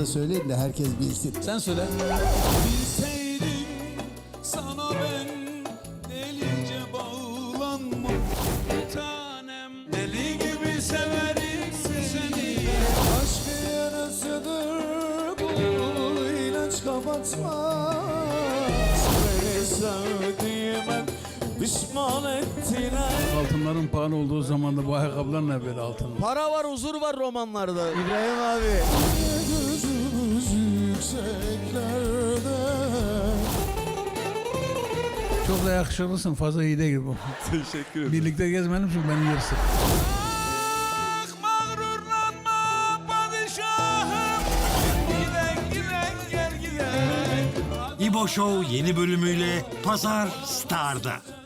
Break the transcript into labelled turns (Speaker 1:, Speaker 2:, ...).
Speaker 1: söyleyin de herkes bilsin.
Speaker 2: Sen söyle.
Speaker 3: Bilseydim sana ben delice bağlanmam. Bir tanem deli gibi severim seni.
Speaker 1: Aşk yarasıdır bu ilaç kapatmaz. Beni sevdiğime pişman ettiler.
Speaker 2: Altınların pahalı olduğu zaman da bu ayakkabılar ne böyle altın?
Speaker 4: Para var, huzur var romanlarda. İbrahim abi.
Speaker 1: Gözümüz yükseklerde.
Speaker 2: Çok da yakışıklısın. Fazla iyi değil bu.
Speaker 4: Teşekkür ederim.
Speaker 2: Birlikte gezmeyelim çünkü beni yersin.
Speaker 3: Ah mağrurlanma padişahım. Giden giden gel giden.
Speaker 5: İbo Show yeni bölümüyle Pazar Star'da.